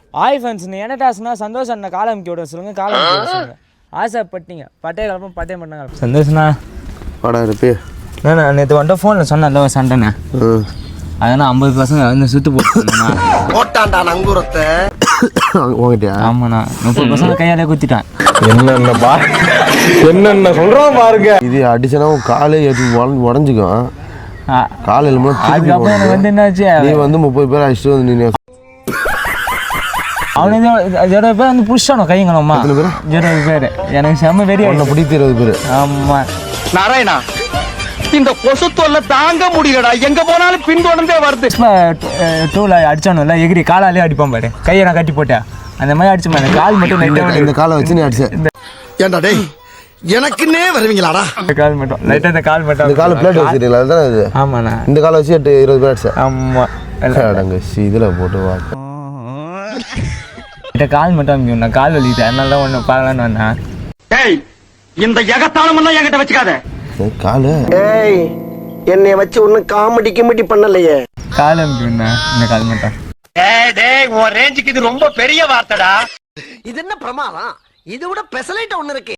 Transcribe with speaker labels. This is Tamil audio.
Speaker 1: ஆய் ஃப்ரெண்ட்ஸ் என்ன டாஸ்னா சந்தோஷம் அண்ணா காலம் அமுக்கி விட சொல்லுங்க காலம் அமுக்கி விட சொல்லுங்க ஆசைப்பட்டீங்க பட்டே கலப்பம் பட்டே பண்ணாங்க சந்தோஷண்ணா
Speaker 2: வாடா இருப்பே
Speaker 1: நான் நேற்று வந்துட்டு ஃபோனில் சொன்னேன்ல சண்டைண்ணே அதனால் 50 பசங்க வந்து சுற்று
Speaker 2: போட்டான்டா நங்கூரத்தை உங்ககிட்டயா
Speaker 1: ஆமாண்ணா 30 பசங்க கையாலே குத்திட்டான்
Speaker 2: என்னென்ன சொல்கிறோம் பாருங்க இது அடிச்சனா காலே உடஞ்சிக்கும் காலையில்
Speaker 1: அதுக்கப்புறம் எனக்கு வந்து என்னாச்சு
Speaker 2: நீ வந்து 30 பேர் அடிச்சுட்டு வந்து நீ
Speaker 1: அவனுக்கு 20 பேர் வந்து புடிச்சானோ கைங்களம்மா 20 பேர் எனக்கு செம்ம வெறியா
Speaker 2: பிடித்து 20 பேர்
Speaker 1: ஆமாம்
Speaker 3: நாராயணா இந்த கொசு தொல்லை தாங்க முடியலடா எங்க போனாலும் பின்தொடர்ந்தே வருது
Speaker 1: டூல அடிச்சானும்ல எகிரி காலாலே அடிப்பான் பாரு கையை நான் கட்டி போட்டேன் அந்த மாதிரி அடிச்சு மாதிரி கால் மட்டும்
Speaker 2: இந்த காலை வச்சு நீ அடிச்ச ஏன்டா டேய் எனக்குன்னே வருவீங்களாடா
Speaker 1: இந்த கால் மட்டும் லைட்டா இந்த கால் மட்டும்
Speaker 2: இந்த கால் பிளேட் வச்சிருக்கீங்களா அதுதான் இது
Speaker 1: ஆமாண்ணா
Speaker 2: இந்த காலை வச்சு 20 பேர் அடிச்சேன்
Speaker 1: ஆமா
Speaker 2: அடங்க இதில் போட்டு வா
Speaker 1: கால் மட்டும் அமைக்கும் நான் கால் வலிக்குது அதனால தான் ஒன்று பார்க்கலான்னு வந்தேன்
Speaker 3: ஏய் இந்த எகத்தாளம் எல்லாம் என்கிட்ட வச்சுக்காத
Speaker 2: காலு
Speaker 4: ஏய் என்னைய வச்சு ஒன்னும் காமெடி கிமெடி பண்ணலையே
Speaker 1: கால் அமைக்கும்ண்ணா இந்த கால் மட்டும்
Speaker 3: டேய் உன் ரேஞ்சுக்கு இது ரொம்ப பெரிய வார்த்தைடா
Speaker 4: இது என்ன பிரமாதம் இதை விட பெசலைட்ட ஒண்ணு இருக்கு